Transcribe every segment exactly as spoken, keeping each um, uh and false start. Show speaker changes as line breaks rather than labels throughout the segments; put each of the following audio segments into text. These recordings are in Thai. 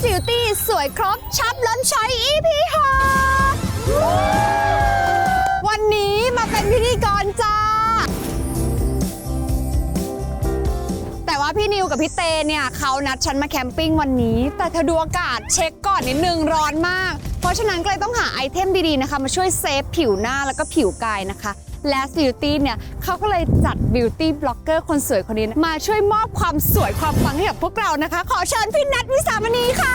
Beauty สวยครบชับล้นช้อย อี พี หกวันนี้มาเป็นพิธีกรจ้าแต่ว่าพี่นิวกับพี่เตเนี่ยเขานัดฉันมาแคมปิ้งวันนี้แต่เธอดูอากาศเช็คก่อนนิดนึงร้อนมากเพราะฉะนั้นก็เลยต้องหาไอเทมดีๆนะคะมาช่วยเซฟผิวหน้าแล้วก็ผิวกายนะคะและ Beauty เนี่ยเขาก็เลยจัด Beauty Blogger คนสวยคนนี้มาช่วยมอบความสวยความปังให้กับพวกเรานะคะขอเชิญพี่นัทวิสามณีค่ะ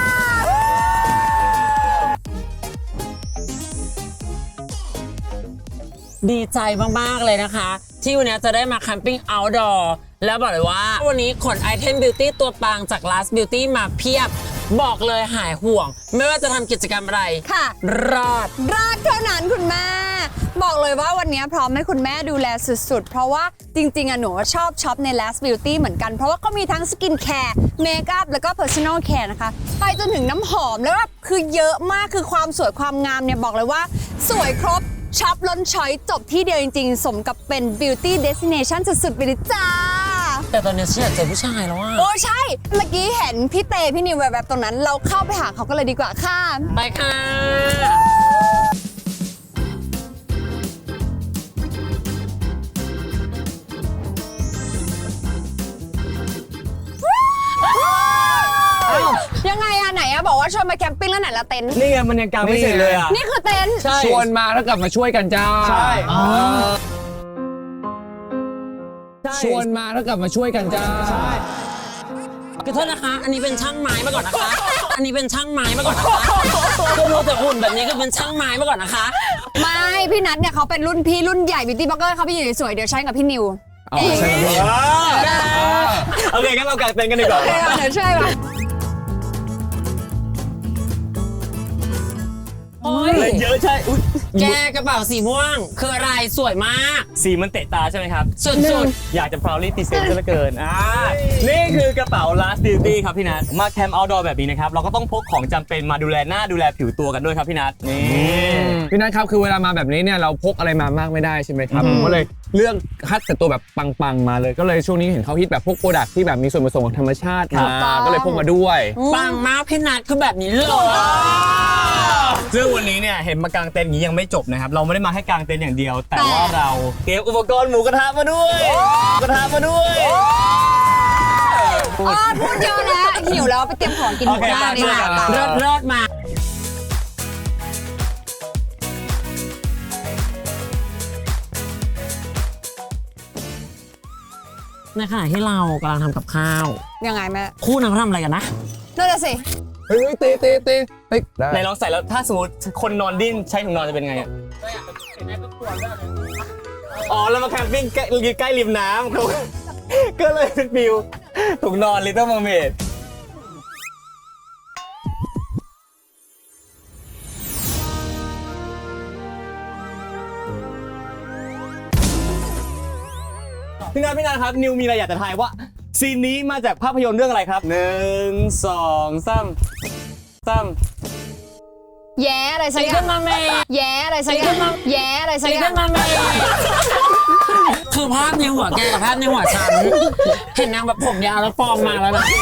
ดีใจมากๆเลยนะคะที่วันนี้จะได้มาแคมปิ้ง outdoor แล้วบอกเลยว่าวันนี้ขนไอเทม Beauty ตัวปังจาก Last Beauty มาเพียบบอกเลยหายห่วงไม่ว่าจะทำกิจกรรมอะไร
ค่ะ
รอด
รอดเท่านั้นคุณแม่บอกเลยว่าวันนี้พร้อมให้คุณแม่ดูแลสุดๆเพราะว่าจริงๆอะหนูชอบช็อปใน Last Beauty เหมือนกันเพราะว่าเขามีทั้งสกินแคร์เมคอัพแล้วก็ Personal Care นะคะไปจนถึงน้ำหอมแล้วแบบคือเยอะมากคือความสวยความงามเนี่ยบอกเลยว่าสวยครบช็อปล้นช้อยจบที่เดียวจริงๆสมกับเป็น Beauty Destination สุดๆไปเลยจ้า
แต่ตอนนี้ฉันอยากเจอผู้ชายแล้วอ่ะ
โอ้ใช่เมื่อกี้เห็นพี่เตพี่นิวแบบๆตรงนั้นเราเข้าไปหาเขาก็เลยดีกว่าค่ะ
ไปค่ะ
ยังไงอะไหนอะบอกว่าชวนมาแคมปิ้งแล้วไหนละเต็นท์
นี่ไงมันยังกางไม่เสร็จเลยอะ
นี่คือเต็นท์
ชวนมาแล้วกลับมาช่วยกันจ้าใช่
ชวนมาแล้วกลับมาช่วยกันจ้า
ใช่
ขอโทษนะคะอันนี้เป็นช่างไม้มาก่อนนะคะอันนี้เป็นช่างไม้มาก่อนนะคะก็รู้แต่หุ่นแบบนี้ก็เป็นช่างไม้มาก่อนนะคะ
ไม่พี่นัทเนี่ยเขาเป็นรุ่นพี่รุ่นใหญ่บิวตี้บล็อกเกอร์เขาไปอยู่สวยเดี๋ยวใช้กับพี่นิว
โอเคงั้นเรากางเต็นท์กันดีกว่า
เดี๋ยวช่วยมา
เลยเยอะใช่
แกกระเป๋าสีม่วงคืออะไรสวยมาก
สีมันเตะตาใช่ไหมครับ
สุด
ๆอยากจะ proudly present ซะเหลือเกินอ่านี่คือกระเป๋า Last Beauty ครับพี่นัทมาแคมป์ outdoor แบบนี้นะครับเราก็ต้องพกของจำเป็นมาดูแลหน้าดูแลผิวตัวกันด้วยครับพี่นัทนี่
พี่นัทครับคือเวลามาแบบนี้เนี่ยเราพกอะไรมามากไม่ได้ใช่ไหมครับผมก็เลยเลือกคัดแต่ตัวแบบปังๆมาเลยก็เลยช่วงนี้เห็นเขาฮิตแบบพวกโปรดักที่แบบมีส่วนผสมของธรรมชาติมาก็เลยพกมาด้วย
ปังมากพี่นัทคือแบบนี้เลย
ซึ่งวันนี้เนี่ยเห็นมากางเต็นท์นี้ยังไม่จบนะครับเราไม่ได้มาแค่กางเต็นท์อย่างเดียวแต่ว่าเราเตรียมอุปกรณ์หมูกระทะมาด้วยกระทะมาด้วย
พูดเยอะแล้วหิวแล้วไปเตรียมของกินหมูกระทะดีกว่า
เลิศเลิศมาในขณะที่เรากำลังทำกับข้าว
ยังไงแม่
คู่นั้นเขาทำอะไรกันนะ
นั่นแหละสิ
เฮ้ยเตะเตะเตะ
ไหนลองใส่แล้วถ้าสมมติคนนอนดิ้นใช้ถุงนอนจะเป็นไงอ่ะอ๋อแล้วมาแคมปิ้งใกล้ใกล้ริมน้ำเขาก็เลยเป็นฟิวถุงนอน Little Mermaid พี่นัทพี่นัทครับนิวมีอะไรอยากจะทายว่าซีนนี้มาจากภาพยนตร์เรื่องอะไรครับหนึ่งสองสามสาม
แย่อะไรสักอย่างมาเมย์แย่อะไรสักอย่างแย่อะไรสักอย่าง
มาเมย์คือภาพในหัวแกกับภาพในหัวฉันเห็นนางแบบผมยาวแล้วฟอร์มมาแล้วนะ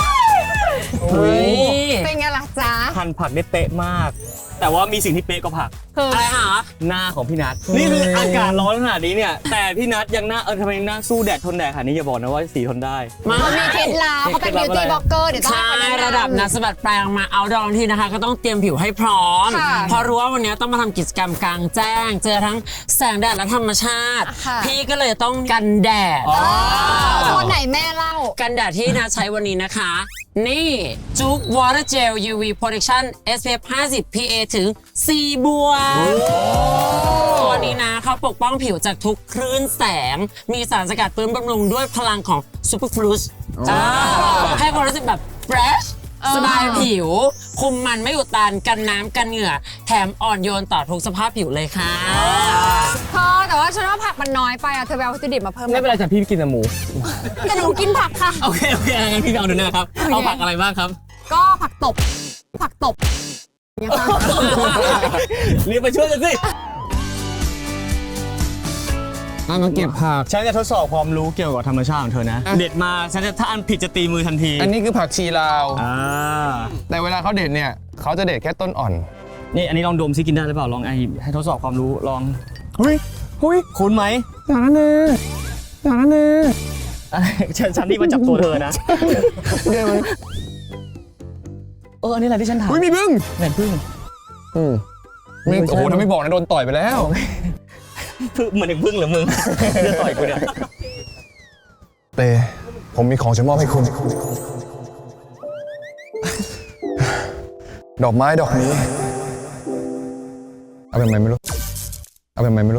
เป็นไงล่ะจ๊ะ
หั่นผักได้เป๊ะมากแต่ว่ามีสิ่งที่เป๊ะกว่าผัก
อะไรหรอ
หน้าของพี่นัทนี่คืออากาศร้อนขนาดนี้เนี่ยแต่พี่นัทยังหน้าเออทำไมหน้าสู้แดดทนแดดขนาดนี้อย่าบอกนะว่าสีทนได้
มันมีเคล็ดลับเขาเป็น beauty blogger เดี๋ยวต้อง
ใช่ระดับนักสะบัดแปลงมาเอาดองทีนะคะก็ต้องเตรียมผิวให้พร้อมเพราะรู้ว่าวันนี้ต้องมาทำกิจกรรมกลางแจ้งเจอทั้งแสงแดดและธรรมชาติพี่ก็เลยต้องกันแดด
ตัวไหนแม่เล่า
กันแดดที่นัทใช้วันนี้นะคะนี่จุ๊ก Water Gel ยู วี Protection เอส พี เอฟ ห้าสิบ พี เอ ถึง สี่บวกตัวนี้นะเขาปกป้องผิวจากทุกคลื่นแสงมีสารสกัดฟื้นบำรุงด้วยพลังของ Superfruit ให้ความรู้สึกแบบ fresh สบายผิวคุมมันไม่อุดตันกันน้ำกันเหงื่อแถมอ่อนโยนต่อทุกสภาพผิวเลยค่ะ
พอแต่ว่าฉันว่าผักมันน้อยไปอ่ะเธอไปเอาวัตถุดิบมาเพิ่ม
ไม่เป็นไรจ้ะพี่กินแต่หมู
แต่หนูกินผักค่ะ
โอเคโอเคงั้นพี่เอาดูนะครับเอาผักอะไรบ้างครับ
ก็ผักตบผักตบ
รีบไปช่วยกันสิ
อ่ามาเก็บผัก
ฉันจะทดสอบความรู้เกี่ยวกับธรรมชาติของเธอนะ
อ่ะ
เด็ดมาฉันจะถ้าอันผิดจะตีมือทันที
อันนี้คือผักชีลาว
อ่า
แต่เวลาเขาเด็ดเนี่ยเขาจะเด็ดแค่ต้นอ่อน
นี่อันนี้ลองดมซิกินได้หรือเปล่าลองไอให้ทดสอบความรู้ลอง
เฮ้ยเฮ้ย
คุ้นไหม
อย่างนั้นเลยอย่างนั้นเลย
อะไรฉันฉันที่มาจับตัวเธอนะ
เดี๋ยวมัน
เอออันนี้แหละที่ฉันถาม
เฮ้ยมีบึ้ง
แหวนพึ่ง
อืมไม่
ไม่ใช่
โอ้โหถ้าไม่บอกนะโดนต่อยไปแล้ว
พึ่งเหมือนถึงพึ่งเหรือมึง จะต่อยกูเนี่ย
เตผมมีของจะมอบให้คุณ ดอกไม้ดอกนี้ เอาเป็นไงไม่รู้ เอาเป็นไงไม่รู้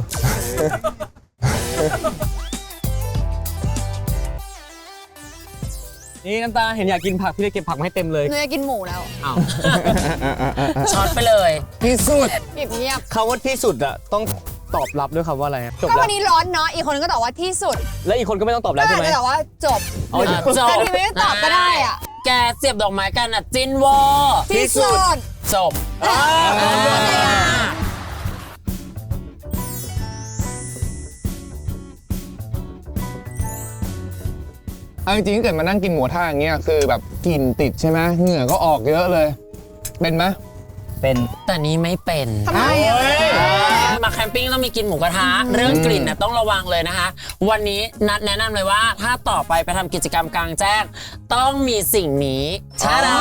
นี่น้ำตาเห็นอยากกินผักพี่เลยเก็บผักมาให้เต็มเลย
หนูจะกินหมูแล้ว
อ้าว
ช็อตไปเลย
ที่สุด
เงียบเงียบ
คำว่าที่สุดอะต้องตอบรับด้วยคำว่าอะไรอะจบ
ก็
แล้
วั
วน
นี้ร้อนเนาะ อีกคนนึงก็ตอบว่าที่สุด
แล้วอีกคนก็ไม่ต้องตอบ
ก็
แล้วใช่
อาจ
ไหม
จะตอบว่าจบ
อ๋อ
อ่ะจบ
แต่ที่ไม่ได้ตอบก็ได้อะ
แกเสียบดอกไม้กันอ่ะจินวอ
ที่สุด
จบ
อ่า
เอาจริงๆถ้าเกิดมานั่งกินหมูท่าอย่างเงี้ยคือแบบกลิ่นติดใช่ไหมเหงื่อก็ออกเยอะเลย เป็นไหม
เป็น
แต่นี้ไม่เป็น
ทำไมอะ
มาแคมปิ้งต้องมีกินหมูกระทะเรื่องกลิ่นน่ะต้องระวังเลยนะคะ วันนี้นัดแนะนำเลยว่าถ้าต่อไปไปทำกิจกรรมกลางแจ้ง ต้องมีสิ่งนี้ชาดา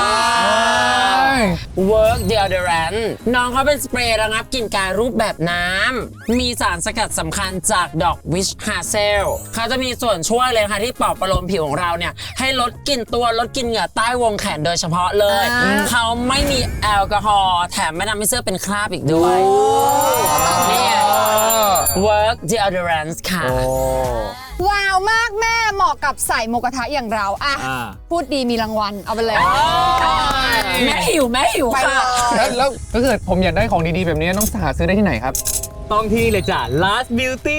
Work Deodorant น้องเขาเป็นสเปรย์ระงับกลิ่นกายรูปแบบน้ำ มีสารสกัดสำคัญจากดอกวิชฮาเซลเขาจะมีส่วนช่วยเลยค่ะที่ปลอบประโลมผิวของเราเนี่ย ให้ลดกลิ่นตัวลดกลิ่นเหงื่อใต้วงแขนโดยเฉพาะเลย เขาไม่มีแอลกอฮอล์แถมไม่ทำให้เสื้อเป็นคราบอีกด้วยเนี่ย Work Deodorant ค่ะ
ว้าวมากแม่เหมาะกับใส่หมูกระทะอย่างเราอะ
อ่า
พูดดีมีรางวัล เอาไปเลย
แม่หิวแม่หิว
ไป
ค่ะ
เลย
แล้วแล้วถ้าเกิดผมอยากได้ของดีๆแบบนี้ต้องหาซื้อได้ที่ไหนครับ
ต้องที่นี่เลยจ้ะ Last Beauty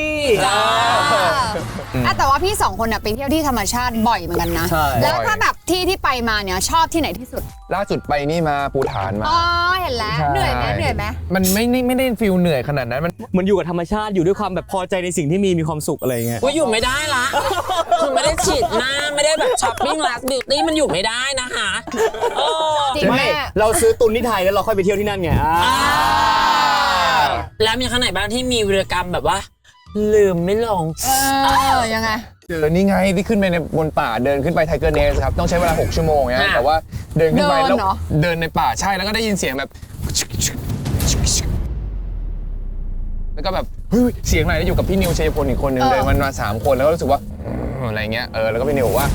อ่ะแต่ว่าพี่สองคนน่ะไปเที่ยวที่ธรรมชาติบ่อยเหมือนกันนะ
ใช่
แล้วถ้าแบบที่ที่ไปมาเนี่ยชอบที่ไหนที่สุด
ล่าสุดไปนี่มาปูฐานมา
อ๋อ เห็นแล้ว เหนื่อยไหมเหนื่อยไหม
มันไม่ได้ไม่ได้ฟิลเหนื่อยขนาดนั้นมัน
เหมือนอยู่กับธรรมชาติอยู่ด้วยความแบบพอใจในสิ่งที่มีมีความสุขอะไรอย่างเงี้ย
ว่าอยู่ไม่ได้ละ คือไม่ได้ฉีดหน้าไม่ได้แบบช้อปปิ้งลักบิวตี้มันอยู่ไม่ได้นะคะโอ้
จริง
ไม่
แม่
เราซื้อตุนที่ไทยแล้วเราค่อยไปเที่ยวที่นั่นไงอ่า
แล้วมีข้างไหนบ้างที่มีวีรกรรมแบบว่า ลืมไม่ลง
เออ ยังไง
เจอนี่ไงที่ขึ้นไปในบนป่าเดินขึ้นไปไทเกอร์เนสครับต้องใช้เวลาหกชั่วโมงนะ
ค่ะ
แต่ว่าเดินขึ้นไป
เดิน
แล้ว
เหรอ
เดินในป่าใช่แล้วก็ได้ยินเสียงแบบ แล้วก็แบบเฮ้ยเสียงอะไรแล้วอยู่กับพี่นิวชัยพลอีกคนหนึ่งเดินมันมาสามคนแล้วก็รู้สึกว่าอืมอะไรเงี้ยเออแล้วก็พี่นิวบอกว่า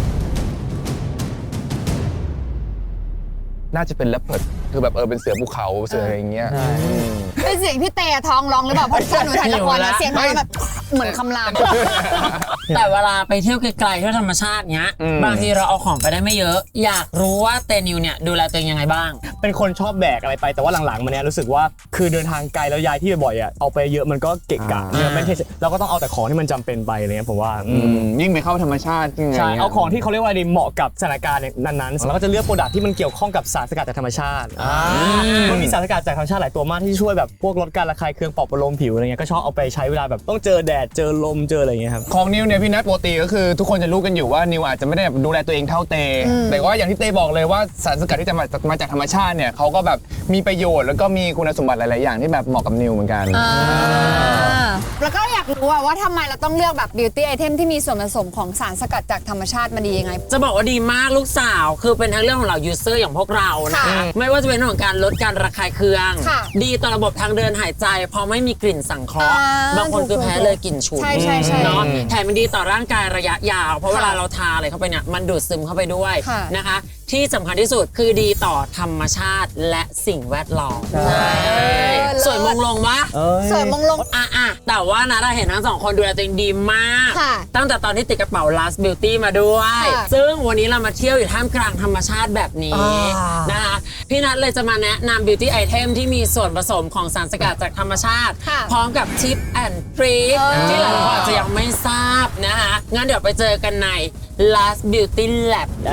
น่าจะเป็นแรปเพิร์ดคือแบบเออเป็นเสือภูเขาเสืออะไรอย่างเงี้ยอืม
เป็นเสียงพี่เตะท้องร้องหรือเปล่าเพราะตอนหนูถ่ายละคร
หิว
นะ
ละ
เสียงท้องแบบเหมือนคำราม
แต่เวลาไปเที่ยวไกลๆเที่ยวธรรมชาติเงี้ย
อืม
บางทีเราเอาของไปได้ไม่เยอะ อยากรู้ว่าเตนิวเนี่ยดูแลตัวเองยังไงบ้าง
เป็นคนชอบแบกอะไรไปแต่ว่าหลังๆมาเนี้ยรู้สึกว่าคือเดินทางไกลแล้วย้ายที่บ่อยๆอ่ะเอาไปเยอะมันก็เกะกะ
อ่า
เนี่ยไม่ใช่เราก็ต้องเอาแต่ของที่มันจำเป็นไปอะไรเงี้ยผมว่าอื
อื
ม
มยิ่งไปเข้าธรรมชาติยิ่งไง
ใช่
งี้ย
เอาของที่เขาเรียกว่าดีเหมาะกับสถานการณ์นั้นๆแล้วก็จะเลือกโปรดักที่มันเกี่ยวข้องกับสารสกัดจากธรรมชาติมันมีสารสกัดจากธรรมชาติหลายตัวมากที่ช่วยแบบพวกลดการระคายเคืองปลอบประโลมผิวอะไรเงี้ยก็ชอบเอาไปใช้เวลาแบบต้องเจอแดดเจอลมเจออะไรเงี้ยครับ
ของนิวเนี่ยพี่นัทปกติก็คือทุกคนจะรู้กันอยู่ว่านิวอาจจะไม่ได้แบบดูแลตัวเองเท่าเต แต่ว่าอย่างที่เตบอกเลยว่าสารสกัดที่จะมามาจากธรรมชาติเนี่ยเขาก็แบบมีประโยชน์แล้วก็มีคุณสมบัติหลายๆอย่างที่แบบเหมาะกับนิวเหมือนกัน
แล้วก็อยากรู้อะว่าทำไมเราต้องเลือกแบบ beauty item ที่มีส่วนผสมของสารสกัดจากธรรมชาติมาดียังไง
จะบอกว่าดีมากลูกสาวคือเป็นทั้งเรื่องของเรายูเซอร์อย่างพวกเรานะ
ค่ะ
ไม่ว่าจะเป็นเรื่องของการลดการระคายเคือง
ค่ะ
ดีต่อระบบทางเดินหายใจเพราะไม่มีกลิ่นสังเคราะห์
อ่า
บางคนคือแพ้เลยกลิ่นฉุน
ใช่ใช่ใช่
เนาะแถมมันดีต่อร่างกายระยะยาว เพราะ
ค่ะ
เวลาเราทาอะไรเข้าไปเนี่ยมันดูดซึมเข้าไปด้วย
ค่ะ
นะคะ ที่สำคัญที่สุดคือดีต่อธรรมชาติและสิ่งแวดล้อม
ใช่
สวยมงลงวะ
สวยมงลง
อ่ะอ่ะแต่ว่านะเราเห็นทั้งสองคนดูแลตัวเองดีมาก
ค่ะ
ตั้งแต่ตอนที่ติดกระเป๋า Last Beauty มาด้วย
ค่ะ
ซึ่งวันนี้เรามาเที่ยวอยู่ท่ามกลางธรรมชาติแบบนี้
อ่าน
นะคะ พี่นัทเลยจะมาแนะนำ Beauty Item ที่มีส่วนผสมของสารสกัดจากธรรมชาติ
ค่ะ
พร้อมกับทิปแอนด์ทริค
เออ
ที่หลายคนอาจจะยังไม่ทราบนะคะ งั้นเดี๋ยวไปเจอกันใน Last Beauty Lab นะ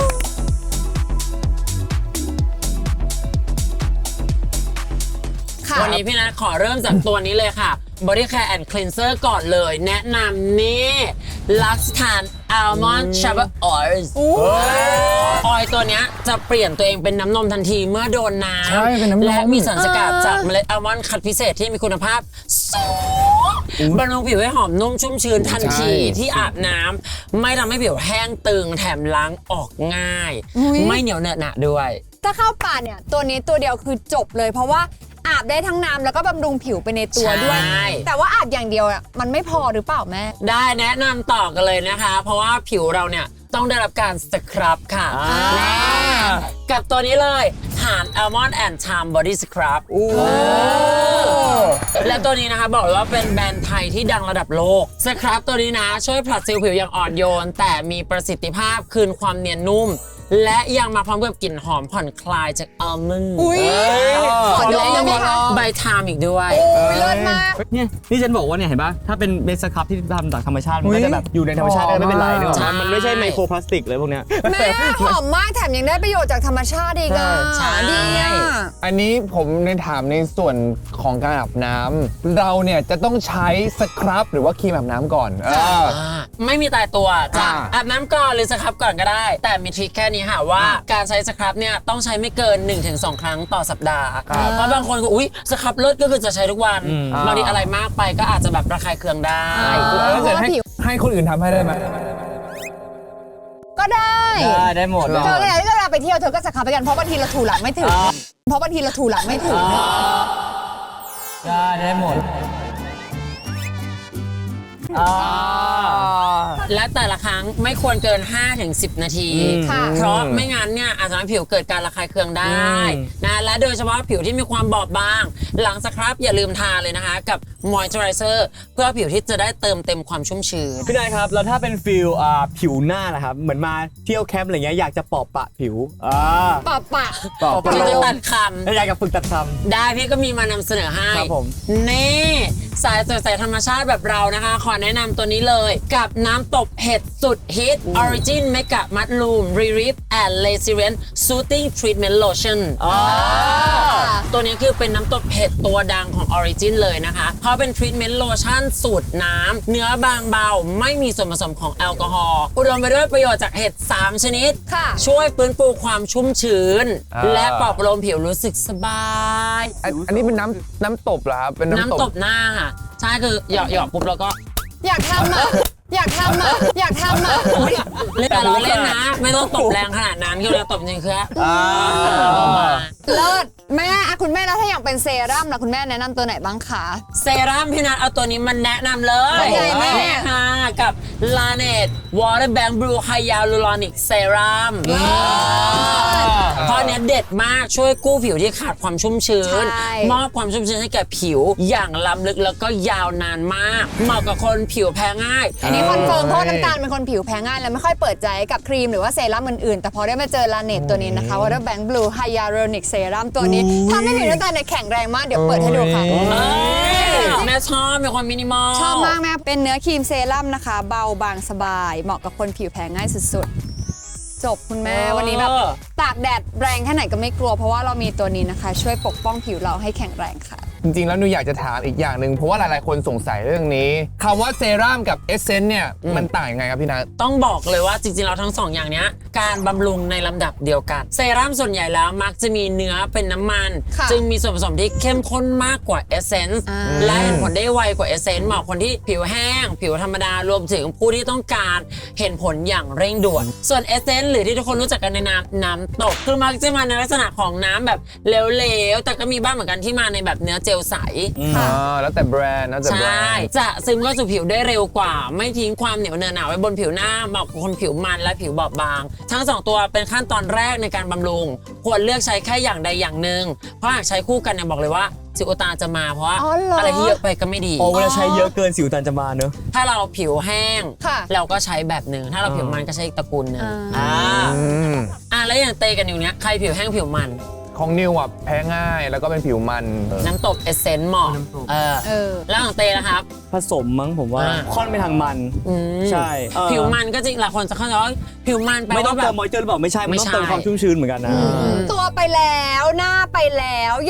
คค่ะ
วันนี้พี่นัทขอเริ่มจากตัวนี้เลยค่ะ Body Care and Cleanser ก่อนเลย แนะนำนี่ Luxtan Almond Shower Oil ออยล์ตัวเนี้ยจะเปลี่ยนตัวเองเป็นน้ำนมทันทีเมื่อโดนน้
ใช่เป็นน้ำนม
ำและมีสารสกัดจากเมล็ดอัลมอนด์คัดพิเศษที่มีคุณภาพสูงบำรุงผิวให้หอมนุ่มชุ่มชื้นทันทีที่อาบน้ำไม่ทำให้ผิวแห้งตึงแถมล้างออกง่าย
อุ๊ย
ไม่เหนียวเหนอะหนะด้วย
ถ้าเข้าป่าเนี่ยตัวนี้ตัวเดียวคือจบเลย เพราะว่าอาบได้ทั้งน้ำแล้วก็บำรุงผิวไปในตัวด้วย
ใช่
แต่ว่าอาบอย่างเดียวอ่ะมันไม่พอหรือเปล่าแม่
ได้แนะนำต่อกันเลยนะคะ เพราะว่าผิวเราเนี่ยต้องได้รับการสครับค่ะแน่กับตัวนี้เลยฐาน Almond and Charm Body Scrub และตัวนี้นะคะบอกเลยว่าเป็นแบรนด์ไทยที่ดังระดับโลกสครับตัวนี้นะช่วยผลัดเซลล์ผิวอย่างอ่อนโยน แต่มีประสิทธิภาพคืนความเนียนนุ่ม และยังมาพร้อมกับกลิ่นหอมผ่อนคลายจากอัลมอนด์
อุ๊ยขอด
และ
ม
ยัง
ได้
มี
ไหมคะ
ใบไทม์อีกด้วย
โอ้ยเลิศมาก
เนี่ยนี่ฉันบอกว่าเนี่ยเห็นปะถ้าเป็นเบสครับที่ทำจากธรรมชาติมันก็จะแบบอยู่ในธรรมชาติก็ไม่เป็นไรนึกออก
ใช่
ไหมมันไม่ใช่ไมโครพลาสติกเลยพวกเนี้ย
แม่หอมมากแถมยังได้ประโยชน์จากธรรมชาติอีกอ่ะ
ใช่
ดีอ่ะ
อันนี้ผมในถามในส่วนของการอาบน้ำเราเนี่ยจะต้องใช้สครับหรือว่าครีมอาบน้ำก่อนเออ
อ่าไม่มีตายตัวจะ
อ่า
อาบน้ำก่อนหรือสครับก่อนก็ได้ แต่มีทริคแค่นี้ค่ะว่าการใช้สครับเนี่ยต้องใช้ไม่เกิน หนึ่งถึงสอง ครั้งต่อสัปดาห์เพราะบางคนก็อุ๊ยสครับเลิศก็คือจะใช้ทุกวันบางทีอะไรมากไปก็อาจจะแบบระคายเคืองได้
แล้วถ้าเกิดให้ให้คนอื่นทำให้ได้ไหม
ก็ได้
ได้ได้หมด
เธอเนี่ยที่เวลาไปเที่ยวเธอก็สครับไปกันเพราะบางทีเราถูหลังไม่ถึง เพราะบางทีเราถูหลังไม่ถึง
ได้ได้หมด
และแต่ละครั้งไม่ควรเกิน ห้าถึงสิบ นาที
ค่ะ
เพราะไม่งั้นเนี่ยอาจจะทำให้ผิวเกิดการระคายเคืองได้นะและโดยเฉพาะผิวที่มีความบอบบาง หลังสครับอย่าลืมทาเลยนะคะ กับมอยเจอไรเซอร์เพื่อผิวที่จะได้เติมเต็มความชุ่มชื้น
พี่นายครับแล้วถ้าเป็นฟิลอ่าผิวหน้าล่ะครับเหมือนมาเที่ยวแคมป์อะไรเงี้ยอยากจะปอบปะผิวอ่า
ปะปะ
ปอบ
พี่
ปะ
จะตัดค
แล้วอยากจะฝึกตัดค
ำได้พี่ก็มีมานำเสนอให้
ครับผม
นี่สายสดใสธรรมชาติแบบเรานะคะ ขอแนะนำตัวนี้เลยกับน้ำตบเห็ดสุดฮิต Origin Mega Mushroom Relief and Resilient Soothing Treatment Lotion ตัวนี้คือเป็นน้ำตบเห็ดตัวดังของ Origin เลยนะคะเพราะเป็น Treatment Lotion สูตรน้ำเนื้อบางเบาไม่มีส่วนผสมของแอลกอฮอล์อุดมไปด้วยประโยชน์จากเห็ดสามชนิด
ค่ะ
ช่วยฟื้นฟูความชุ่มชื้น
อ่า
และปลอบประโลมผิวรู้สึกสบาย
อันอันนี้เป็นน้ำน้ำตบเหรอครับเป็นน้ำ
น้ำ
ต
ต
บบ
หน้าค่ะ ใช่คือหยอกหยอกปุ๊บแล้วก็
อยากทำอ่ะ อยากทำอ่ะ อยากทำอ่ะ
เล่นแต่เราเล่นนะ ไม่ต้องตบแรงขนาดนั้นคือเราตบจริงคือ
เลิศแม่อะคุณแม่แล้วถ้าอย่างเป็นเซรั่มล่ะคุณแม่แนะนำตัวไหนบ้างคะ
เซรั่มพี่นัทเอาตัวนี้มันแนะนำเลย
เป็นไงแม่
นี่ค่ะกับ Laneige Water Bank Blue Hyaluronic Serum เพราะอันเนี้ยเด็ดมากช่วยกู้ผิวที่ขาดความชุ่มชื้น
ใช่
มอบความชุ่มชื้นให้แก่ผิวอย่างล้ำลึกแล้วก็ยาวนานมาก เหมาะกับคนผิวแพ้ง่าย
อันนี้คอนเฟิร์มเพราะว่าน้ำตาลเป็นคนผิวแพ้ง่ายแล้วไม่ค่อยเปิดใจกับครีมหรือว่าเซรั่มอื่นๆ แต่พอได้มาเจอลาเนตตัวนี้นะคะ Water Bank Blue Hyaluronic Serum ตัวนี้ทำให้ผิวน้ำตาลเนี่ยแข็งแรงมากเดี๋ยวเปิดให้ดูค่ะ
เอ้ยแม่ชอบมีความมินิมอล
ชอบมากแม่เป็นเนื้อครีมเซรั่มนะคะ เบาบางสบาย เหมาะกับคนผิวแพ้ง่ายสุดๆ จบคุณแม่วันนี้แบบตากแดดแรงแค่ไหนก็ไม่กลัว เพราะว่าเรามีตัวนี้นะคะ ช่วยปกป้องผิวเราให้แข็งแรงค่ะ
จริงๆ แล้วหนูอยากจะถามอีกอย่างหนึ่งเพราะว่าหลายๆ คนสงสัยเรื่องนี้คำว่าเซรั่มกับเอสเซนต์เนี่ยมันต่างยังไงครับพี่นัท
ต้องบอกเลยว่าจริงๆเราทั้งสองอย่างเนี้ยการบำรุงในลำดับเดียวกัน เซรั่มส่วนใหญ่แล้วมักจะมีเนื้อเป็นน้ำมัน
ค่ะ
จึงมีส่วนผสมที่เข้มข้นมากกว่าเอเซนส์
อ่า
และเห็นผลได้ไวกว่าเอเซนส์เหมาะคนที่ผิวแห้ง ผิวธรรมดารวมถึงผู้ที่ต้องการเห็นผลอย่างเร่งด่วน ส่วนเอเซนส์หรือที่ทุกคนรู้จักกันในนามน้ำตกคือมักจะมาในลักษณะของน้ำแบบเหลวๆแต่ก็มีบ้างเหมือนกันที่มาในแบบเนื้อเจลใส
อ่าแล้วแต่แบรนด์แล้วแต่
ใช
แบร่ นด์
จะซึมเข้าสู่ผิวได้เร็วกว่า ไม่ทิ้งความเหนียวเนอะหนาไว้บนผิวหน้าเหมาะกับคนผิวมันและผิวบอบบาง ทั้งสองตัวเป็นขั้นตอนแรกในการบำรุง ควรเลือกใช้แค่อย่างใดอย่างหนึ่งเพราะหากใช้คู่กันเนี่ยบอกเลยว่าสิวอุดตันจะมาเพราะว่า
อ๋อเหรออ
อะไรที่เยอะไปก็ไม่ดี
ำโอ้เวลาใช้เยอะเกินสิวตันจะมาเนอะ
ถ้าเราผิวแห้ง
ค่ะ
เราก็ใช้แบบหนึ่งถ้าเราผิวมันก็ใช้อีกตระกูลหนึ่ง
อ่า
อ่า
อืม
อ่าแล้วอย่างเตกันอยู่เนี้ยใครผิวแห้งผิวมัน
ของนิวอ่ะแพ้ง่ายแล้วก็เป็นผิวมัน
น้ำตบเอเซนต์เหมาะเออ
เออ
แล้วของเตนะครับ
ผสมมั้งผมว่า
อ่า
ค่อนไปทางมัน
อืม
ใช่เออ
ผิวมันก็จริงหลายคนจะเข้าใจว่าผิวมันแปล
ไม่ต้อ
ว่าง แบ
เติ
บ
มมอยเจอร์หรือเปล่าไม่ใช่มันต้อง
ไม่ใช่
เติมความชุ่มชื้นเหมือนกันนะ
ตัวไปแล้วหน้าไปแล้วอย่าง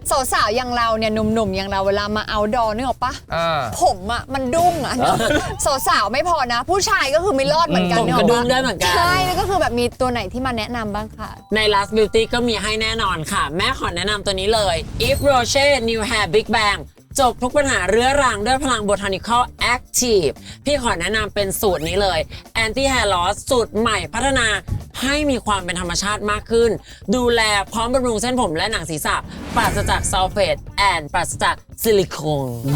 สาวๆอย่างเราเนี่ยหนุ่มๆอย่างเราเวลามาเอาดอนึกออกปะ
อ่า
ผมอ่ะมันดุ้งอ่ะ สาวๆไม่พอนะ ผู้ชายก็คือไม่รอดเหมือนกัน
ผม
เน
ก
อะ
ระดุมได้เหมือนกัน
ใช่แล้วก็คือแบบมีตัวไหนที่มาแนะนำบ้างค่ะ
ใน Last Beauty ก็มีให้แน่นอนค่ะ แม่ขอแนะนำตัวนี้เลย Yves Rocher New Hair Big Bang จบทุกปัญหาเรื้อรังด้วยพลัง Botanical Active พี่ขอแนะนำเป็นสูตรนี้เลย Anti Hair Loss สูตรใหม่พัฒนาให้มีความเป็นธรรมชาติมากขึ้น ดูแลพร้อมบำรุงเส้นผมและหนังศีรษะปราศจากซัลเฟตแอนปราศจากซิลิโคน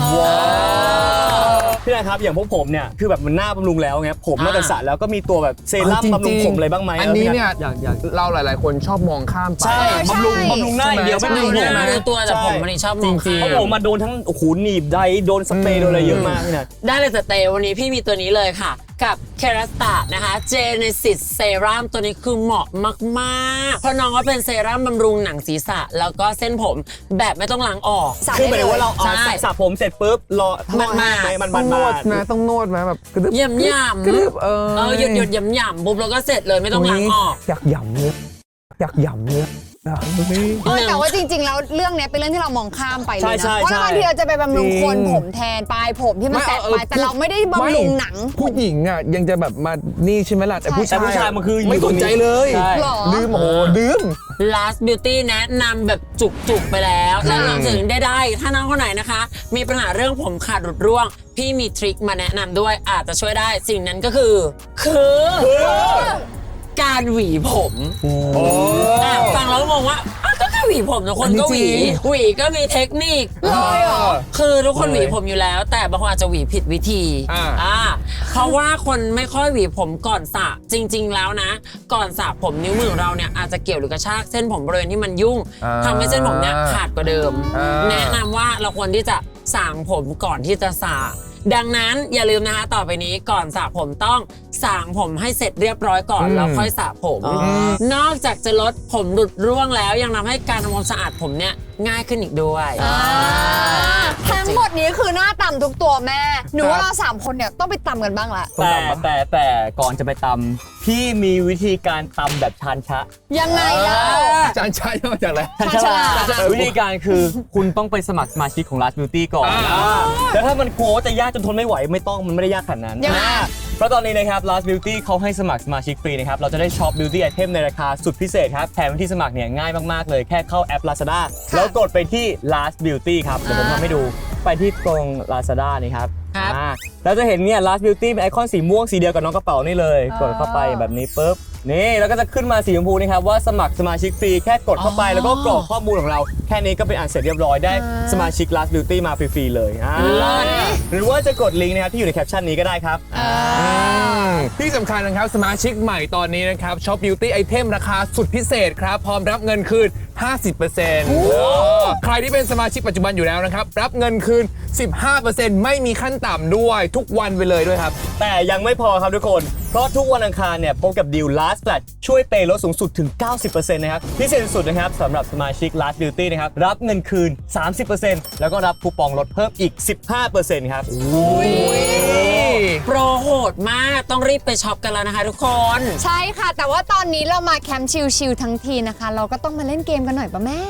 พี่นะครับอย่างพวกผมเนี่ยคือแบบมันหน้าบำรุงแล้วไงผมนอกจากสระแล้วก็มีตัวแบบเซรั่ม
จริงๆ
บำรุงผมอะไรบ้างไหม
อันนี้เนี่ย
อยากอยาก
เราหลาย ๆ คนชอบมองข้ามไป
ใช่
ใช่
บำรุงบำรุงหน้าอย่างเดียว
ใช่
ไม่
ไหม
บำรุง
ไม่
ผม
ได้รู้ตัวแต่ผมมันชอบมอง
จริงๆ
เพราะผมมาโดนทั้งโอ้โหหนีบไดโดนสเปรย์โดนอะไรเยอะมากเนี่ย
ได้เลยแต่เตวันนี้พี่มีตัวนี้เลยค่ะ กับ Kerastase นะคะ Genesis Serum ตัวนี้คือเหมาะมากๆ เพราะน้องก็เป็นเซรั่มบำรุงหนังศีรษะ แล้วก็เส้นผมแบบไม่ต้องล้างออก
สระ
คือห
ได้
มายถึงว่าเราเอา
ใช่
สระผมเสร็จปุ๊บรอ
มันมา
ให้มัน
ต้
มั
อน งน
มาว
ดนะต้องนวดไหมแบบกระดึบ
เยี่ยมย่ำ
กระดึบเออ
เออหยุดหยุดย่ำย่ำปุ๊บแล้วก็เสร็จเลยไม่ต้องล้างออก
อยากหย่ำเนี่ยอยากหย่ำเนี่ยอ่ะ
เออแต่ว่าจริงๆ แล้วเรื่องเนี้ยเป็นเรื่องที่เรามองข้ามไปเลย
ใช่
นะ
ใช่
เพราะ
ใช่
บางทีเราจะไปบำรุง
จริง
โคนผมแทนปลายผมที่มันแตกไปแต่เราไม่ได้บำรุงหนัง
ผู้หญิงอ่ะยังจะแบบมานี่ใช่ไหมล่ะแต่ผู้
แต่
ชาย
ผู้ชายมันคืออยู่
ไม่
ต
ส
รง
น
นี้
ใจเลย
ใช่
หรอ
ลืมโอ้โหลืม
Last Beauty แนะนำแบบจุกๆไปแล้ว แล้วรวมถึงได้ได้ถ้าน้องคนไหนนะคะ มีปัญหาเรื่องผมขาดหลุดร่วง พี่มีทริคมาแนะนำด้วยอาจจะช่วยได้สิ่งนั้นก็คือ คือการหวีผมอ่ะฟังแล้วงงว่าอ่ะก็แค่หวีผมทุกคนก็หวี
อันนี้จริง
หวีก็มีเทคนิค
เลยเหรอ
คือทุกคน
เลย
หวีผมอยู่แล้ว แต่บางคนอาจจะหวีผิดวิธี
อ่า
อ่าเพราะว่าคนไม่ค่อยหวีผมก่อนสระจริง ๆ แล้วนะ ก่อนสระผมนิ้วมือของเราเนี่ยอาจจะเกี่ยวหรือกระชากเส้นผมบริเวณที่มันยุ่ง
อ่า
ทำให้เส้นผมเนี่ยขาดกว่าเดิม
อ่า
แนะนำว่าเราควรที่จะสางผมก่อนที่จะสระดังนั้นอย่าลืมนะคะต่อไปนี้ก่อนสระผมต้องสางผมให้เสร็จเรียบร้อยก่อนแล้วค่อยสระผม นอกจากจะลดผมหลุดร่วงแล้วยังทำให้การทำความสะอาดผมเนี่ยง่ายขึ้นอีกด้วย
ทั้งหมดนี้คือหน้าต่ำทุกตัวแม่ หนูว่าเราสามคนเนี่ยต้องไปตำกันบ้างละ
แต่แต่แต่ก่อนจะไปตำพี่มีวิธีการตำแบบชานชะ
ยังไงล่ะ
อาจารย์ชายมาจากอะไร
ชานชะ
วิธีการคือคุณต้องไปสมัครสมาชิกของ Last Beauty ก่อน
อ่า
อ่าแล้วถ้ามันกลัวว่าจะยากจนทนไม่ไหวไม่ต้องมันไม่ได้ยากขนาดนั้น
ยังไง
อ่าเพราะตอนนี้นะครับ Last Beauty เขาให้สมัครสมาชิกฟรีนะครับเราจะได้ช็อป Beauty Item ในราคาสุดพิเศษครับแถมวิธีสมัครเนี่ยง่ายมากๆเลยแค่เข้าแอป Lazada แล้วกดไปที่ Last Beauty ครับเดี๋ยวผมทำให้ดูไปที่ตรง Lazada นี่ครับ
ครับ
อ่าแล้วจะเห็นเนี่ย Last Beauty เป็นไอคอนสีม่วงสีเดียวกับน้องกระเป๋านี่เลย
อ๋อ
กดเข้าไปแบบนี้ปุ๊บนี่แล้วก็จะขึ้นมาสีชมพูนี่ครับว่าสมัครสมาชิกฟรีแค่กดเข้าไปแล้วก็กรอกข้อมูลของเรา แค่นี้ก็เป็นอันเสร็จเรียบร้อยได้สมาชิก Last Beauty มาฟรีๆเลยอ่าหรือว่าจะกดลิงก์นะครับที่อยู่ในแคปชั่นนี้ก็ได้ครับ
ที่สำคัญนะครับสมาชิกใหม่ตอนนี้นะครับช็อปบิวตี้ไอเทมราคาสุดพิเศษครับ พร้อมรับเงินคืน ห้าสิบเปอร์เซ็นต์ ใครที่เป็นสมาชิกปัจจุบันอยู่แล้วนะครับ รับเงินคืน สิบห้าเปอร์เซ็นต์ ไม่มีขั้นต่ำด้วยทุกวันไปเลยด้วยครับ
แต่ยังไม่พอครับทุกคน เพราะทุกวันอังคารเนี่ยพบกับดีล Last Flat ช่วยเปย์ลดสูงสุดถึง เก้าสิบเปอร์เซ็นต์ นะครับ พิเศษสุดนะครับสำหรับสมาชิก Last Beauty นะครับ รับเงินคืน สามสิบเปอร์เซ็นต์ แล้วก็รับคูปองลดเพิ่มอีก สิบห้าเปอร์เซ็นต์ ครับ
โปรโหดมากต้องรีบไปช็อปกันแล้วนะคะทุกคน
ใช่ค่ะ แต่ว่าตอนนี้เรามาแคมป์ชิลๆทั้งทีนะคะ เราก็ต้องมาเล่นเกมกันหน่อยป่ะแม่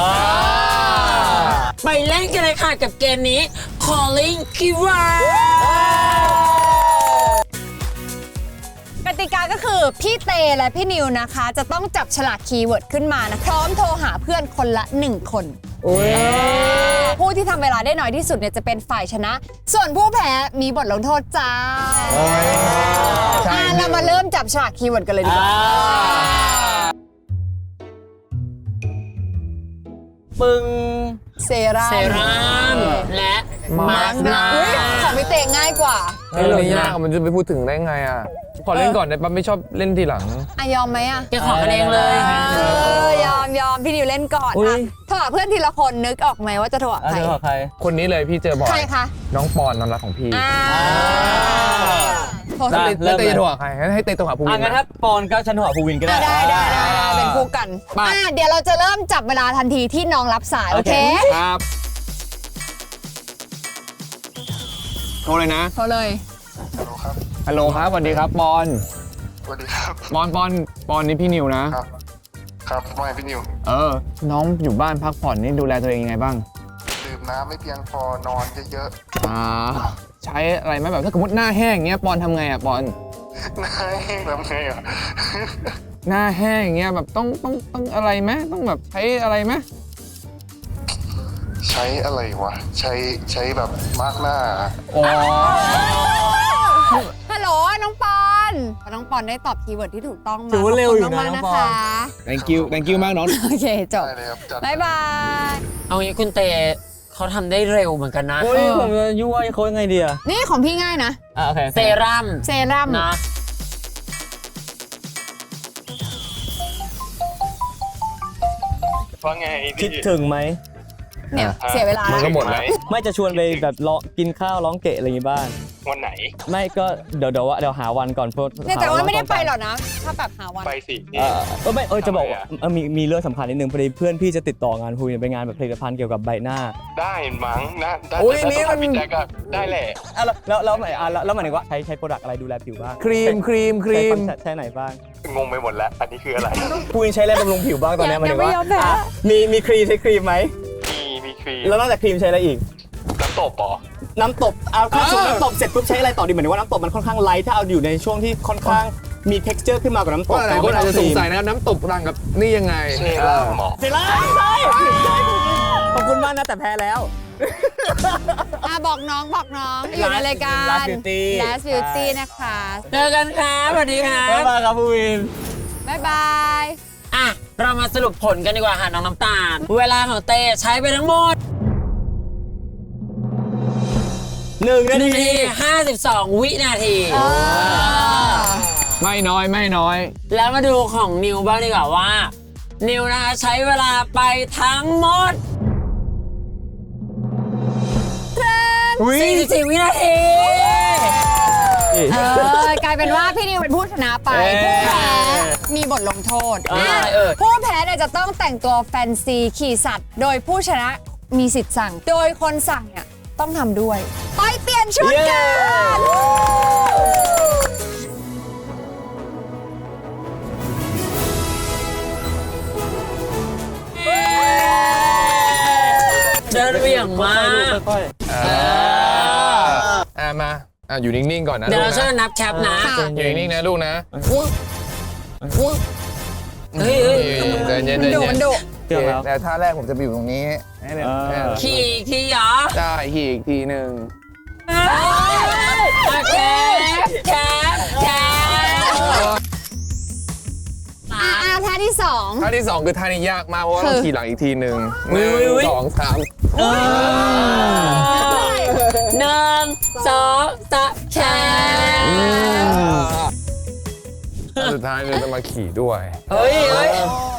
ไปเล่นกันเลยค่ะกับเกมนี้ Calling Keyword
กติกาก็คือพี่เตและพี่นิวนะคะ จะต้องจับฉลากคีย์เวิร์ดขึ้นมานะพร้อมโทรหาเพื่อนคนละหนึ่งคนผู้ที่ทำเวลาได้น้อยที่สุดเนี่ยจะเป็นฝ่ายชนะ ส่วนผู้แพ้มีบทลงโทษจ้า
ใช่
อ่ะเรามาเริ่มจับฉลากคีย์เวิร์ดกันเลยดีกว่า
ปึ้ง
เซรั่ม
เซรั่มและมาสก์หน้า
อุ๊ยของพี่เตง่ายกว่า
เรื่องนี้ยากมันจะไปพูดถึงได้ไงอ่ะ ขอเล่นก่อนได้ปะไม่ชอบเล่นทีหลัง
อ่ะยอมไหมอ่ะ
แกขอกันเองเลย
เออยอมยอมพี่นิวเล่นก่อน
อุ๊
อ่ะ
ย
โทรหาเพื่อนทีละคนนึกออกไหมว่าจะโทรหา
อ่ะ
ใคร
เดี๋ยวขอใคร
คนนี้เลยพี่เจอบ่อย
ใครคะ
น้องปอนน้องรักของพี่
อ่าโทร
ได้
หา
แล้วเต้จะโทรหาใครให้เต้โทรหาภูวิ
อ่ะ
น
งั้น
ไหม
ถ้าปอนก็ฉันโทรหาภูวินก็ได้
อ่ะได้ได้ได้ได้เป็นคู่กัน
ไป
อ่ะเดี๋ยวเราจะเริ่มจับเวลาทันทีที่น้องรับสาย โอเค
ครับโทรเลยนะ
โทรเลย
ฮัลโหลครับสวัสดีครับปอน
สวัสดีครับ
ปอนปอนปอนนี่พี่นิวนะ
ครับครับไม่พี่นิว
เออ น้องอยู่บ้านพักผ่อนนี่ดูแลตัวเองยังไงบ้าง
ดื่มน้ำไม่เพียงพอนอนเยอะ
อ่าใช้อะไรไหมแบบถ้าสมมติหน้าแห้งอย่างเงี้ยปอนทำไงอ่ะปอน
ๆนายทำไงอ่ะ
หน้าแห้งอย่างเงี้ยแบบต้องต้องต้องอะไรไหมต้องแบบใช้อะไรไหม
ใช้อะไรวะ ใช้ใช้แบบมาร์กหน้า
อ๋อ
ฮัลโหลน้องปอนน้องปอนได้ตอบคีย์เวิร์ดที่ถูกต้องมา
ถือว่าเร็วอยู่นะ
ขบคุณมากๆ
น้อง
นะ
ปอน
คะ
thank you thank you มากน้อง
โอเคจบ
ได้เลยครับจัด
บ๊ายบาย
เอางี้คุณเตเขาทำได้เร็วเหมือนกันนะ
เฮ้ยผมจะยั่วเขายังไงดีอะ
นี่ของพี่ง่ายนะ
อ่ะโอเค
เซรั่ม
เซรั่ม
นะ
ว่าไง
คิดถึงไหม
เนี่ยเสียเวลา
มันก็หมดแล้ว
ไม่จะชวนไปแบบร้องกินข้าวร้องเกะอะไรอย่างงี้บ้าง
วันไหน
ไม่ก็เดี๋ยวเดี๋ยวว่าเดี๋ยวหาวันก่อนเพราะ
เนี่ยแต่
ห
ว่าไม่ได้
ตรง
ไป
กัน
หรอกนะ ถ้าแบบหาวัน
ไปสิ
เออเออไม่เออจะบอกว่า
ทำไมอะ
เออมีมีเรื่องสำคัญนิดนึงพอดีเพื่อนพี่จะติดต่องานคุยเป็นงานแบบผลิตภัณฑ์เกี่ยวกับใบหน้า
ได้มั้งนะได้
โอ้ย
แต่
นี่
ถ้า
มัน
พี่แจ๊กอะได้แหละ
อ่ะแล้วแล้วแล้วหมายอ่ะแล้วแล้วหมายถึงว่าใช้ใช้โปรดักต์อะไรดูแลผิวบ้าง
ครีมครีมครี
ใช้
ม
ฟังก์ชันใช้ไหนบ้าง
งงไปหมดแล้ว อันนี้คืออะไร
คุณใช้อะไรบำรุงผิวบ้างตอนเนี้ยหมายถึงว่า
ยังไม่ยอมแพ้
อ่ะมีมีครีมใช้ครีมไหม
มีมีครีม
แล้วนอกจากครีมใช้อะไรอีก
น้ำตบปอ
น้ำตบเอาถ้าสมมติน้ำตบเสร็จปุ๊บใช้อะไรต่อดีเหมือนว่าน้ำตบมันค่อนข้างไลท์ถ้าเอาอยู่ในช่วงที่ค่อนข้างมี texture ขึ้นมากว่าน้ำตบ
ว่าหลายคนอาจจะสงสัยนะครับน้ำตบรังกับนี่ยังไง
เซรั่มหมอ
เสร็จแล้วใช่ขอบคุณมากนะแต่แพ้แล้ว
อ่ะบอกน้องบอกน้องอยู่ในรายการ
Last Beauty
Last Beauty นะคะ
เจอกันครับสวัสดีครับ
บ๊ายบายครับผู้วิน
บ๊ายบาย
อ่ะ เรามาสรุปผลกันดีกว่าค่ะน้องน้ำตาล เวลาของเตใช้ไปทั้งหมด
หนึ่งนา
หนึ่ง
ที
นาทีห้าสิบสองวินาที
ไม่น้อยไม่น้อย
แล้วมาดูของนิวบ้างดีกว่าว่า นิวนะคะใช้เวลาไปทั้งหมดสี่สิบสี่วินาที
เออกลายเป็นว่าพี่นิวเป็นผู้ชนะไป
เอ้ย
ผู้แพ้มีบทลงโทษ
เออ
อ่ะ
เออ
ผู้แพ้เนี่ยจะต้องแต่งตัวแฟนซีขี่สัตว์ โดยผู้ชนะมีสิทธิ์สั่ง โดยคนสั่งเนี่ยต้องทำด้วย ไปเปลี่ยนชุดกัน
เดินเบี่ยงมาก
ค่อย
อ่ามาอ่าอยู่นิ่งๆก่อนนะ
เดี๋ยว
ลู
เรา
ก
ช่วย
นะ
นับแคปนะ
อยู่นิ่งๆนะลูกนะ
เฮ้ยเฮ้ย
เดินเย็น
มัน
เดิน
ดุ
เย็
มัน นดุ
ๆเชื่อแล้ว
แต่ท่าแรกผมจะไปอยู่ตรงนี้ให้เดิน
อ่า
ให้เดิน
ขี่อีกทีเหรอ
ได้ขี่อีกทีหนึ่ง
แคปแคปแคป
อ่ะอ่ะท่าที่สอง
ท่าที่สองคือท่านี้ยากมากเพราะว่าต้อง
คือ
ขี่หลังอีกทีหนึ่งหนึ่งสองสาม
หนึ่งสองสามแคป
สุดท้ายเราจะมาขี่ด้วย
เฮ้ยเฮ้ย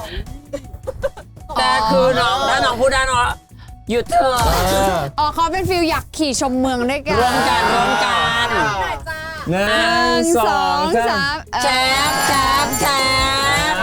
แต่คือน้องถ้าน้องพูดได้เนาะหยุดเถอะ
อ๋อเขาเป็นฟิลอยากขี่ชมเมืองด้วยกัน
ร่วมกันร่วมกัน
หนึ่
หนึ่
ง
ง
ส
ส
อ
อง ง
สา
สาม มเออ
แคปแคปแคป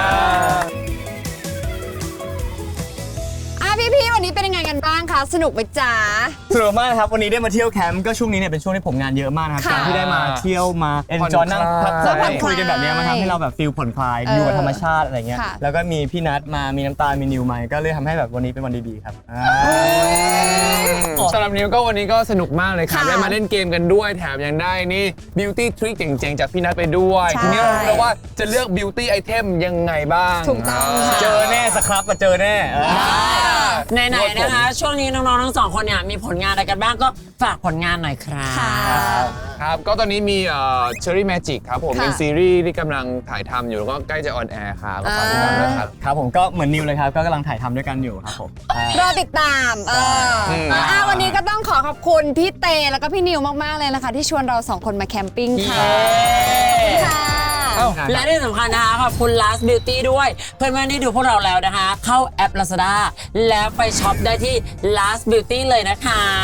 อ่ะพี่ๆวันนี้เป็นยังไงกันบ้างคะสนุกไหมจ๊ะ
สนุกมากนะครับวันนี้ได้มาเที่ยวแคมป์ก็ช่วงนี้เนี่ยเป็นช่วงที่ผมงานเยอะมากนะครับ
ค่ะ
การที่ได้มาเที่ยวมาเอนจอยนั่งพัก
ผ่อนคลาย
คุยกันแบบเนี้ยมันทำให้เราแบบฟีลผ่อนคลาย
เออ
อยู่กับธรรมชาติอะไรเงี้ย
ค่ะ
แล้วก็มีพี่นัทมามีน้ำตาลมีนิวมาก็เลยทำให้แบบวันนี้เป็นวันดีๆครับอ่า
สำหรับนิวก็วันนี้ก็สนุกมากเลยครับ
ค่ะ
ได้มาเล่นเกมกันด้วยแถมยังได้นี่ beauty trick เจ๋งๆ จากพี่นัทไปด้วย
ใช่
ทีนี้เรารู้แล้วว่าจะเลือก beauty item ยังไงบ้าง
ถูกต้องค่ะ
เจอแน่สครับมาเจอแน่เออ
ไหนๆนะคะ ช่วงนี้น้องๆทั้งสองคนเนี่ยมีผลงานอะไรกันบ้างก็ฝากผลงานหน่อยครับ
ค่ะ
ครับ ก็ตอนนี้มีเอ่อ Cherry Magic ครับผม
ค่ะ
เป็นซีรีส์ที่กำลังถ่ายทำอยู่แล้วก็ใกล้จะออนแอร์ครับก็ฝากติดตามด้วยครับ
ครับผมก็เหมือนนิวเลยครับก็กำลังถ่ายทำด้วยกันอยู่ครับผมอ่า
รอติดตามเออ
อืม
อ่ะวันนี้ก็ต้องขอขอบคุณพี่เตแล้วก็พี่นิวมาก ๆ เลยนะคะ ที่ชวนเราสองคนมาแคมปิ้งค่ะค่ะ
และที่สำคัญนะคะขอบคุณ Last Beauty ด้วย เพื่อนๆที่ดูพวกเราแล้วนะคะ เข้าแอป Lazada แล้วไปช็อปได้ที่ Last Beauty เลยนะคะ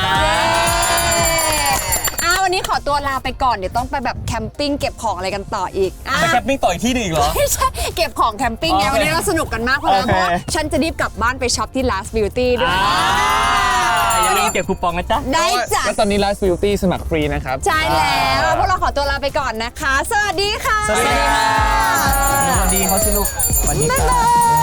อ่ะวันนี้ขอตัวลาไปก่อน เดี๋ยวต้องไปแบบแคมปิ้งเก็บของอะไรกันต่ออีกอ่ะ
ไปแคมปิ้งต่ออีกที่หนึ่งอีกเหรอ
ไม่ใช่เก็บของแคมปิ้งไง
โอเค
วันนี้เราสนุกกันมากเพราะ
โอเค
ว่าฉันจะรีบกลับบ้านไปช็อปที่ Last Beauty ด้วย
อย่าลืมเก็บคูปองนะจ๊ะ
ได้จ้ะ
แล้วตอนนี้ Last Beauty สมัครฟรีนะครับ
ใช่แล้วพวกเราขอตัวลาไปก่อนนะคะ สวัสดีค่ะ
สวัสดีค่ะสวัสดีเขาสิลูกสวัสดี
บ๊าย
ค่ะ
บาย